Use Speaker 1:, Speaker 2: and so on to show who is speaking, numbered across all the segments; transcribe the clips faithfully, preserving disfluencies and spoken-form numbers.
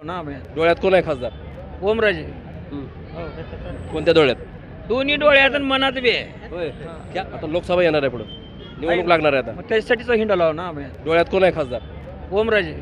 Speaker 1: ना भैया.
Speaker 2: डोळ्यात कोण आहे खासदार?
Speaker 1: ओमराजे.
Speaker 2: कोणत्या डोळ्यात?
Speaker 1: दोन्ही डोळ्यात आणि मनात बी आहे.
Speaker 2: होय. क्या आता लोकसभा येणार आहे पुढे, निवडणूक लागणार आहे आता.
Speaker 1: मग त्याच्यासाठीच हिंडा लाव ना भैया.
Speaker 2: डोळ्यात कोण आहे खासदार?
Speaker 1: ओमराजे.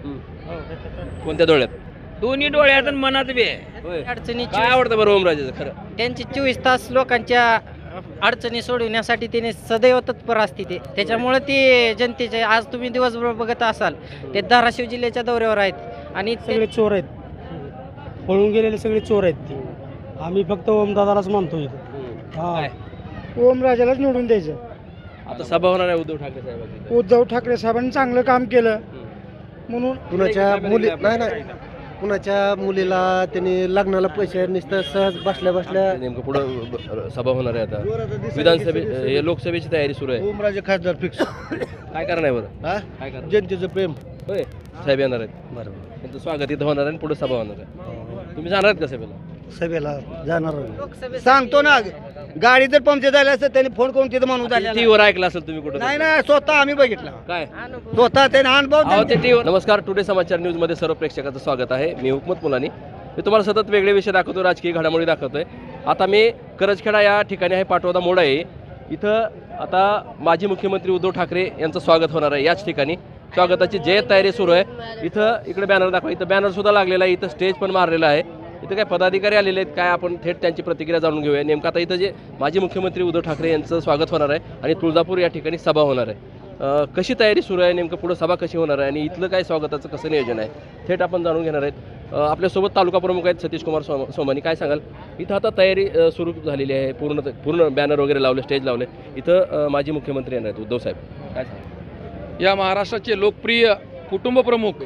Speaker 2: कोणत्या डोळ्यात?
Speaker 1: दोन्ही डोळ्यात आणि मनात बी आहे.
Speaker 2: होय.
Speaker 3: अडचणी
Speaker 2: काय आवडतं बरं ओमराजेचं खरं?
Speaker 3: त्यांची चोवीस तास लोकांच्या अडचणी सोडविण्यासाठी त्याने सदैव तत्पर असते ते. त्याच्यामुळे ते जनतेचे आज तुम्ही दिवसभर बघत असाल ते धाराशिव जिल्ह्याच्या दौऱ्यावर आहेत आणि ते-
Speaker 4: सगळे चोर आहेत, पळून गेलेले सगळे चोर आहेत ते. आम्ही फक्त ओमदादालाच मानतो इथं.
Speaker 2: काय?
Speaker 4: ओमराजालाच निवडून द्यायचं.
Speaker 2: आता सभा होणार आहे उद्धव ठाकरे साहेबांची.
Speaker 4: उद्धव ठाकरे साहेबांनी चांगलं काम केलं म्हणून
Speaker 5: कुणाच्या मुली नाही नाही कुणाच्या मुलीला त्यांनी लग्नाला पैसे नुसतं सहज बसल्या बसल्या
Speaker 2: नेमकं पुढं सभा होणार आहे आता. विधानसभे हे लोकसभेची तयारी सुरू आहे.
Speaker 5: ओमराजे खासदार फिक्स.
Speaker 2: काय करणार आहे बरं?
Speaker 5: हा
Speaker 2: काय करणार?
Speaker 5: जनतेचं प्रेम.
Speaker 2: होय. साहेब येणार आहेत.
Speaker 5: बरोबर.
Speaker 2: त्यांचं स्वागत इथं होणार आहे आणि पुढे सभा होणार आहे. तुम्ही जाणार आहेत का सभेला?
Speaker 5: सभेला जाणार
Speaker 3: लोकसभेत
Speaker 5: सांगतो ना, गाडी जर पंक्चर झाली असतं त्यांनी फोन करून तिथं म्हणून
Speaker 2: टीव्हीवर ऐकलं असेल तुम्ही कुठं?
Speaker 5: नाही ना, स्वतः आम्ही बघितला,
Speaker 2: काय
Speaker 5: स्वतः त्याने अनुभव
Speaker 2: अहो, ते टीव्ही. नमस्कार, टुडे समाचार न्यूज मध्ये सर्व प्रेक्षकाचं स्वागत आहे. मी हुकमत मुलानी. मी तुम्हाला सतत वेगळे विषय दाखवतो, राजकीय घडामोडी दाखवतोय. आता मी करजखेडा या ठिकाणी आहे, पाटोदा मोड आहे. इथं आता माजी मुख्यमंत्री उद्धव ठाकरे यांचं स्वागत होणार आहे. याच ठिकाणी स्वागताची जय्यत तयारी सुरू आहे. इथं इकडे बॅनर दाखवा. इथं बॅनर सुद्धा लागलेला आहे. इथं स्टेज पण मारलेला आहे. इथं काय पदाधिकारी आलेले आहेत काय, आपण थेट त्यांची प्रतिक्रिया जाणून घेऊया. नेमकं आता इथं जे माजी मुख्यमंत्री उद्धव ठाकरे यांचं स्वागत होणार आहे आणि तुळजापूर या ठिकाणी सभा होणार आहे. अ, कशी तयारी सुरू आहे, नेमकं पुढं सभा कशी होणार आहे आणि इथलं काय स्वागताचं कसं नियोजन आहे, थेट आपण जाणून घेणार आहेत. अ, आपल्यासोबत तालुका प्रमुख आहेत सतीश कुमार सोम सोमानी. काय सांगाल? इथं आता तयारी अ, सुरू झालेली आहे. पूर्ण पूर्ण बॅनर वगैरे लावले, स्टेज लावले. इथं अ, माजी मुख्यमंत्री येणार आहेत उद्धव साहेब. काय सांगाल?
Speaker 6: या महाराष्ट्राचे लोकप्रिय कुटुंब प्रमुख,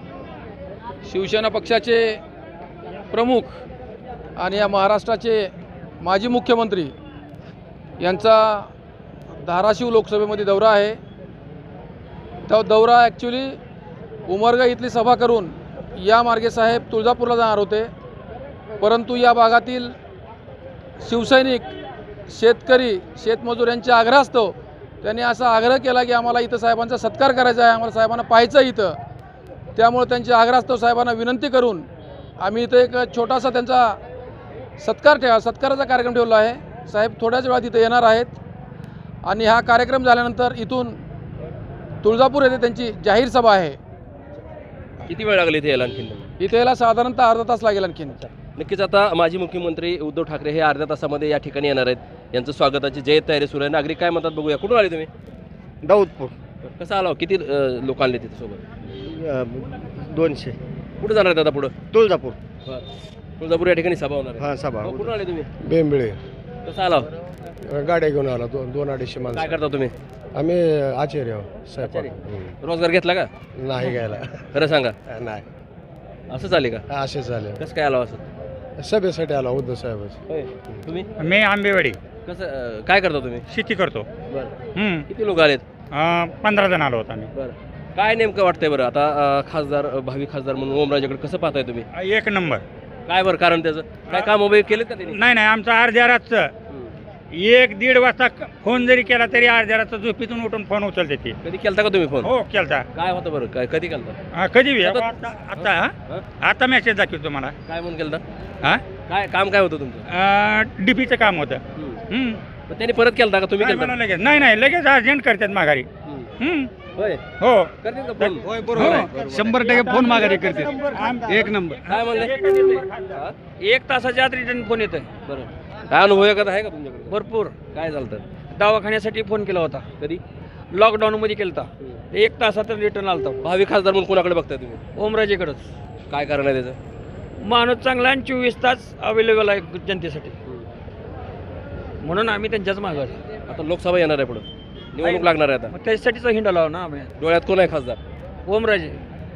Speaker 6: शिवसेना पक्षाचे प्रमुख आणि या महाराष्ट्राचे माजी मुख्यमंत्री यांचा धाराशिव लोकसभेमध्ये दौरा आहे. तो दौरा ॲक्च्युली उमरगा इथली सभा करून या मार्गे साहेब तुळजापूरला जाणार होते, परंतु या भागातील शिवसैनिक, शेतकरी, शेतमजूर यांच्या आग्रहास्तव त्यांनी असा आग्रह केला की आम्हाला इथं साहेबांचा सत्कार करायचा आहे, आम्हाला साहेबांना पाहायचं आहे इथं. त्यामुळे त्यांच्या आग्रहास्तव साहेबांना विनंती करून आम्ही इथं एक छोटासा त्यांचा सत्कार ठेवा सत्काराचा कार्यक्रम ठेवला आहे. साहेब थोड्याच वेळात इथं येणार आहेत आणि हा कार्यक्रम झाल्यानंतर इथून तुळजापूर येथे त्यांची जाहीर सभा आहे.
Speaker 2: किती वेळ लागली इथे यायला आणखी?
Speaker 6: इथे यायला साधारणतः अर्धा तास लागेल आणखीन.
Speaker 2: नक्कीच आता माजी मुख्यमंत्री उद्धव ठाकरे हे अर्ध्या तासामध्ये या ठिकाणी येणार आहेत. यांचं स्वागताची जय्यत तयारी सुरू आहे. नागरिक काय म्हणतात बघूया. कुठून आले तुम्ही?
Speaker 5: दाऊदपूर.
Speaker 2: कसं आला? किती अ, लोक आले तिथे सोबत?
Speaker 5: दोनशे.
Speaker 2: कुठे जाणार आहेत आता पुढं?
Speaker 5: तुळजापूर.
Speaker 2: तुळजापूर या ठिकाणी सभा होणार आहे.
Speaker 5: हा सभा.
Speaker 2: हो, कुठून आले तुम्ही?
Speaker 4: बेंबळे
Speaker 2: कसं आला?
Speaker 4: गाड्या घेऊन आला, दोन दोन अडीचशे
Speaker 2: काय
Speaker 4: माणसं.
Speaker 2: करता तुम्ही?
Speaker 4: आम्ही आचार्य आहोत, स्वयंपाक.
Speaker 2: आचार्य? रोजगार घेतला का?
Speaker 4: हम्म. नाही घ्यायला.
Speaker 2: खरं सांगा.
Speaker 4: नाही,
Speaker 2: असं चालेल का?
Speaker 4: असे झाले.
Speaker 2: कसं काय आला असं?
Speaker 4: सभेसाठी आला उद्धव साहेबच.
Speaker 2: होय. तुम्ही
Speaker 7: मी आंबेवाडी
Speaker 2: कसं अ, काय करता तुम्ही?
Speaker 7: शेती करतो.
Speaker 2: बरं.
Speaker 7: हम्म.
Speaker 2: किती लोक आलेत?
Speaker 7: अं, पंधरा जण आलो होतो आम्ही.
Speaker 2: बरं. काय नेमकं वाटतंय बरं आता अ, खासदार अ, भावी खासदार म्हणून ओमराजेकडे कसं पाहताय तुम्ही?
Speaker 7: एक नंबर.
Speaker 2: काय बरं कारण त्याचं? काय काम वगैरे केलेत का त्यांनी?
Speaker 7: नाही नाही आमचं अर्ध्या रातचं
Speaker 2: हम्म.
Speaker 7: एक दीड वाजता क- फोन जरी केला तरी अर्ध्या रातचं झोपेतून उठून फोन उचलते ती.
Speaker 2: कधी केलता का तुम्ही फोन?
Speaker 7: हो केलता.
Speaker 2: काय होतं बरं? काय कधी केलता?
Speaker 7: हा, कधी बी.
Speaker 2: आता-
Speaker 7: आता आता हा?
Speaker 2: हं?
Speaker 7: आता मेसेज दाखवतो तुम्हाला.
Speaker 2: काय म्हणून केलता?
Speaker 7: हा
Speaker 2: काय काम काय होतं तुमचं?
Speaker 7: डीपीचं काम होतं.
Speaker 2: हम्म.
Speaker 7: हम्म.
Speaker 2: मग त्यांनी परत केलता का तुम्ही
Speaker 7: नाही,
Speaker 2: केलता?
Speaker 7: मला लगेच नाही नाही लगेच अर्जंट करतात माघारी.
Speaker 2: हम्म.
Speaker 7: हम्म.
Speaker 2: होय.
Speaker 7: हो
Speaker 2: करतील का फोन?
Speaker 7: हो.
Speaker 5: शंभर टक्के फोन माघारी करते. एक नंबर.
Speaker 2: काय म्हणले? हा?
Speaker 1: एक तासाच्या आत रिटर्न फोन येतोय.
Speaker 2: बरं. काय अनुभव एखादा आहे का तुमच्याकडे?
Speaker 1: भरपूर.
Speaker 2: काय झालं?
Speaker 1: दवाखान्यासाठी फोन केला होता,
Speaker 2: कधी?
Speaker 1: लॉकडाऊन मध्ये केलता. एक तासात रिटर्न आलता.
Speaker 2: भावी खासदार म्हणून कोणाकडे बघताय तुम्ही?
Speaker 1: ओमराजेकडंच.
Speaker 2: काय कारण आहे त्याचं?
Speaker 1: माणूस चांगला आणि चोवीस तास अवेलेबल आहे जनतेसाठी, म्हणून आम्ही त्यांच्याच मागं आहे.
Speaker 2: आता लोकसभा येणार आहे पुढे, निवडणूक लागणार आहे आता.
Speaker 1: मग त्याच्यासाठीच हिंडा लाव ना भैया.
Speaker 2: डोळ्यात कोण आहे खासदार?
Speaker 1: ओमराजे.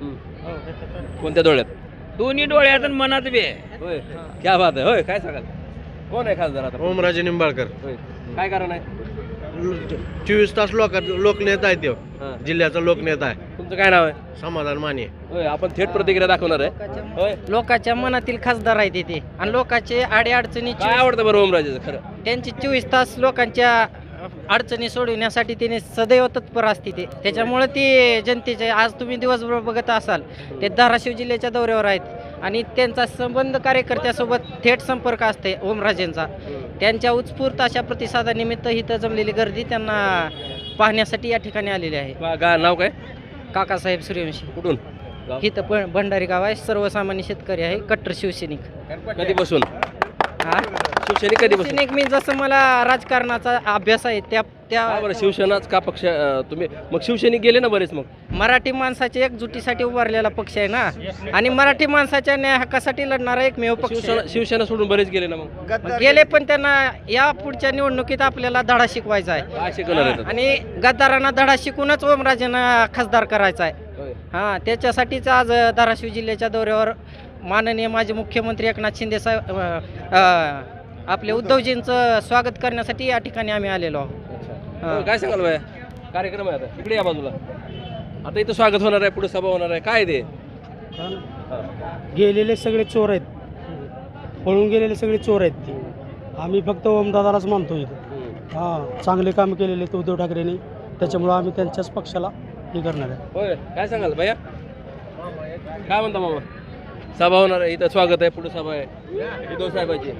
Speaker 2: कोणत्या डोळ्यात?
Speaker 1: दोन्ही डोळ्यात आणि मनात बी आहे.
Speaker 2: होय. क्या बात आहे. होय. काय सांगाल? कोण आहे खासदार आता?
Speaker 5: ओमराजे निंबाळकर.
Speaker 2: होय. काय कारण आहे?
Speaker 5: चोवीस तास लोक लोकनेता आहे तो,
Speaker 2: हां.
Speaker 5: जिल्ह्याचा लोकनेता आहे.
Speaker 2: तुमचं काय नाव आहे?
Speaker 5: समाधान माने.
Speaker 2: होय. आपण थेट प्रतिक्रिया दाखवणार आहे. होय.
Speaker 3: लोकांच्या मनातील खासदार आहेत ते आणि लोकांचे आडे अडचणी
Speaker 2: काय आवडतं बरं ओमराजेचं खरं?
Speaker 3: त्यांची चोवीस तास लोकांच्या अडचणी सोडविण्यासाठी त्याने सदैव तत्पर असते ते त्याच्यामुळे ती जनतेचे आज तुम्ही दिवसभर बघत असाल ते धाराशिव जिल्ह्याच्या दौऱ्यावर आहेत आणि त्यांचा संबंध कार्यकर्त्यासोबत थेट संपर्क असते ओमराजेंचा. त्यांच्या उत्स्फूर्त अशा प्रतिसादानिमित्त इथं जमलेली गर्दी त्यांना पाहण्यासाठी या ठिकाणी आलेली आहे.
Speaker 2: गा गा- नाव काय?
Speaker 3: काकासाहेब सूर्यवंशी
Speaker 2: कुठून? गाव?
Speaker 3: इथं पण भंडारी गाव आहे. सर्वसामान्य शेतकरी आहे. कट्टर शिवसैनिक.
Speaker 2: कधीपासून
Speaker 3: हा
Speaker 2: शिवसैनिक कधीपासून?
Speaker 3: शिवसैनिक मी जसं मला राजकारणाचा अभ्यास आहे त्या
Speaker 2: का बरं
Speaker 3: त्या
Speaker 2: शिवसेनाच का पक्ष अं, तुम्ही मग शिवसैनिक गेले ना बरेच मग?
Speaker 3: मराठी माणसाच्या एकजुटीसाठी उभारलेला पक्ष आहे ना आणि मराठी माणसाच्या न्याय हक्कासाठी लढणारा एकमेव पक्ष
Speaker 2: शिवसेना
Speaker 3: आहे.
Speaker 2: शिवसेना सोडून बरेच गेले ना मग?
Speaker 3: गेले पण त्यांना या पुढच्या निवडणुकीत आपल्याला धडा शिकवायचा आहे
Speaker 2: काय शिकवणार आहेत आता?
Speaker 3: आणि गद्दारांना धडा शिकूनच ओमराजेंना खासदार करायचा आहे.
Speaker 2: होय.
Speaker 3: हां त्याच्यासाठीच आज धाराशिव जिल्ह्याच्या दौऱ्यावर माननीय माजी मुख्यमंत्री एकनाथ शिंदे साहेब अ, अ, आपले उद्धवजींचं स्वागत करण्यासाठी या ठिकाणी आम्ही आलेलो आहोत.
Speaker 2: अच्छा. हो, काय सांगाल बाया कार्यक्रम आहे आता इकडे या बाजूला. आता इथं स्वागत होणार आहे, पुढे सभा होणार आहे, काय ते? हा.
Speaker 4: गेलेले सगळे चोर आहेत, पळून गेलेले सगळे चोर आहेत ते. आम्ही फक्त ओमदादालाच मानतो इथं.
Speaker 2: हम्म.
Speaker 4: हां चांगले काम केलेले आहेत उद्धव ठाकरेंनी, त्याच्यामुळं आम्ही त्यांच्याच पक्षाला हे करणार आहे.
Speaker 2: होय काय सांगाल भैया काय म्हणता मामा? सभा होणार आहे, इथं स्वागत आहे, पुढे सभा आहे उद्धव साहेबांची.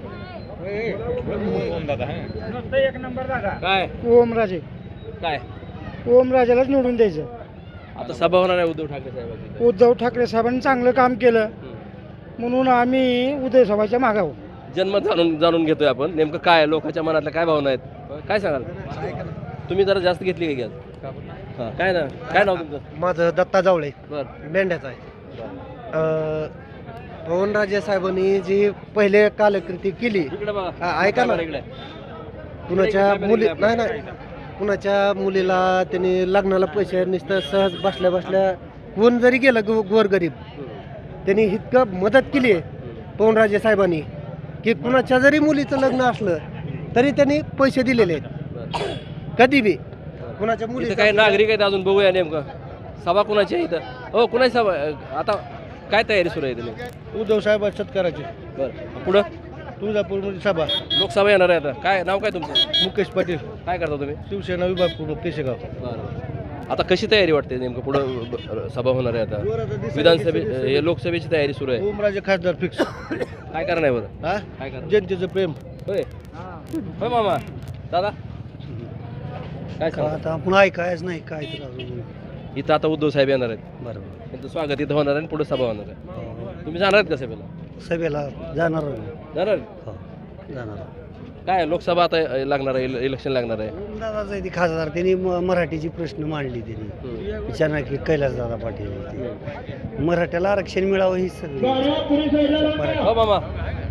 Speaker 7: एक नंबर दादा.
Speaker 2: काय
Speaker 4: ओमराजे
Speaker 2: काय
Speaker 4: ओमराजेलाच निवडून द्यायचं.
Speaker 2: आता सभा होणार आहे उद्धव ठाकरे साहेबांची.
Speaker 4: उद्धव ठाकरे साहेबांनी चांगलं काम केलं
Speaker 2: हम्म.
Speaker 4: म्हणून आम्ही उदय सभाच्या मागावं.
Speaker 2: जन्म जाणून जाणून घेतोय आपण नेमकं काय आहे, लोकांच्या मनातल्या काय भावना आहेत, काय सांगाल तुम्ही? जरा जास्त घेतली का गॅस? हां काय ना काय नाव तुमचं?
Speaker 5: माझं दत्ता जावळे
Speaker 2: बरं
Speaker 5: मेंढ्याचा आहे. अं, पवनराजे साहेबांनी जी पहिले कालकृती केली,
Speaker 2: इकडे बघा.
Speaker 5: हा, ऐका ना.
Speaker 2: इकडे
Speaker 5: कुणाच्या मुली नाही नाही कुणाच्या मुलीला त्यांनी लग्नाला पैसे नुसतं सहज बसल्या बसल्या कोण जरी गेलं गो गोरगरीब त्यांनी इतकं मदत केली आहे पवनराजे साहेबांनी की कुणाच्या जरी मुलीचं लग्न असलं तरी त्यांनी पैसे दिलेले आहेत कधी बी. कुणाच्या मुली
Speaker 2: इथं काही नागरिक आहेत अजून, बघूया नेमकं सभा कुणाची आहे इथं. हो कुणाची सभा आता काय तयारी सुरू आहे तुम्ही?
Speaker 5: उद्धव साहेब शेतकऱ्याचे
Speaker 2: बरं पुढं
Speaker 5: तुळजापूरमध्ये सभा,
Speaker 2: लोकसभा येणार आहे आता. काय नाव काय तुमचं?
Speaker 5: मुकेश पाटील,
Speaker 2: काय करता तुम्ही?
Speaker 5: शिवसेना विभाग प्रमुख केशेगाव.
Speaker 2: बरं आता कशी तयारी वाटते नेमकं पुढं ब- सभा होणार आहे आता विधानसभे हे लोकसभेची तयारी सुरू आहे.
Speaker 5: ओमराजे खासदार फिक्स.
Speaker 2: काय करणार आहे बरं?
Speaker 5: हा
Speaker 2: काय करणार?
Speaker 5: जनतेचं प्रेम.
Speaker 2: होय होय मामा दादा काय सांगा?
Speaker 5: आता आपण ऐकायच नाही काय तर अजून.
Speaker 2: इथं आता उद्धव साहेब येणार आहेत,
Speaker 5: बरोबर
Speaker 2: त्यांचं स्वागत इथं होणार आहे आणि पुढे सभा होणार आहे. तुम्ही जाणार आहेत का सभेला?
Speaker 5: सभेला जाणार
Speaker 2: जाणार आहेत?
Speaker 5: हो, जाणार.
Speaker 2: काय लोकसभा आता लागणार आहे, इले- इलेक्शन लागणार आहे.
Speaker 5: दादाचा आहे ती खासदार, त्यांनी म- मराठीची प्रश्न मांडली त्यांनी.
Speaker 2: हम्म.
Speaker 5: विचारणार की कैलासदादा पाटील ते. मराठ्याला आरक्षण मिळावं ही सगळी मराठी.
Speaker 2: हो मामा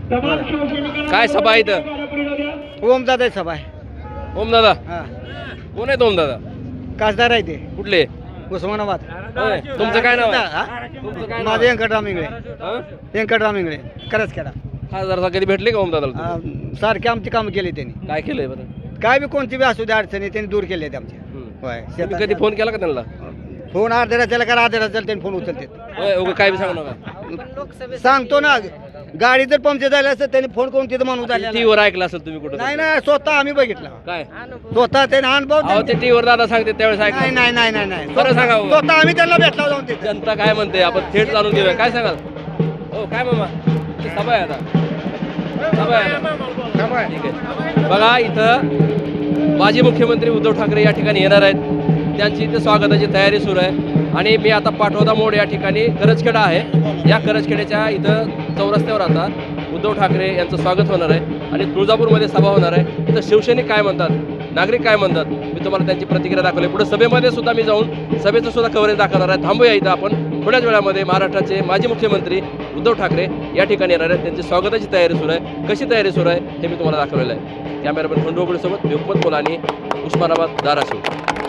Speaker 2: काय सभा आहे इथं?
Speaker 3: ओमदादा सभा आहे.
Speaker 2: ओम दादा
Speaker 3: हां
Speaker 2: कोण आहेत ओम दादा?
Speaker 3: खासदार आहे ते
Speaker 2: कुठले?
Speaker 3: उस्मानाबाद.
Speaker 2: होय. तुमचं काय नाव आहे? तुमचं काय नाव
Speaker 3: माझं
Speaker 2: आहे?
Speaker 3: व्यंकटराम इंगळे.
Speaker 2: हं?
Speaker 3: व्यंकटराम इंगळे करच केला.
Speaker 2: खासदार कधी भेटले का ओम दादाला?
Speaker 3: सारखे आमची कामं केली त्यांनी.
Speaker 2: काय केलंय बरं?
Speaker 3: काय बी कोणती बी असू दे अडचणी त्यांनी दूर केली आहेत आमच्या.
Speaker 2: हम्म.
Speaker 3: होय
Speaker 2: तुम्ही कधी फोन केला का त्यांना?
Speaker 3: फोन अर्ध्या रात्रीला करा अर्ध्या रात्रीला त्यांनी फोन उचलते.
Speaker 2: होय उगा काय बी सांगू नका.
Speaker 3: सांगतो ना गाडी जर पंक्चर झाली असतं त्यांनी फोन करून तिथं माणूस झाला.
Speaker 2: टीव्हीवर ऐकलं असेल तुम्ही कुठं?
Speaker 3: नाही नाही स्वतः आम्ही बघितला.
Speaker 2: काय
Speaker 3: स्वतः त्याने अनुभव
Speaker 2: अहो ते
Speaker 3: त्यांनी-
Speaker 2: टीव्हीवर दादा सांगते त्यावेळेस
Speaker 3: नाही
Speaker 2: ऐकलं.
Speaker 3: नाही नाही नाही नाही
Speaker 2: बरं सांगा हो.
Speaker 3: स्वतः आम्ही त्यांना भेटला जाऊन तिथे.
Speaker 2: जनता काय म्हणते आपण थेट जाणून घेऊया. काय सांगाल? हो काय मामा इथे सभा आहे आता. सभा आहे आता. ठीक आहे बघा इथं माजी मुख्यमंत्री उद्धव ठाकरे या ठिकाणी येणार आहेत. त्यांची इथे स्वागताची तयारी सुरू आहे आणि मी आता पाटोदा मोड या ठिकाणी करजखेडा आहे. या करजखेड्याच्या इथं चौरस्त्यावर आता उद्धव ठाकरे यांचं स्वागत होणार आहे आणि तुळजापूरमध्ये सभा होणार आहे. इथं शिवसैनिक काय म्हणतात, नागरिक काय म्हणतात, मी तुम्हाला त्यांची प्रतिक्रिया दाखवली. पुढे सभेमध्ये सुद्धा मी जाऊन सभेचं सुद्धा कव्हरेज दाखवणार आहे. थांबूया इथं आपण. थोड्याच वेळामध्ये महाराष्ट्राचे माजी मुख्यमंत्री उद्धव ठाकरे या ठिकाणी येणार आहेत. त्यांची स्वागताची तयारी सुरू आहे. कशी तयारी सुरू आहे हे मी तुम्हाला दाखवलेलं आहे. कॅमेरामॅन खंडू सोबत मी हुकमत मुलानी, उस्मानाबाद, धाराशिव.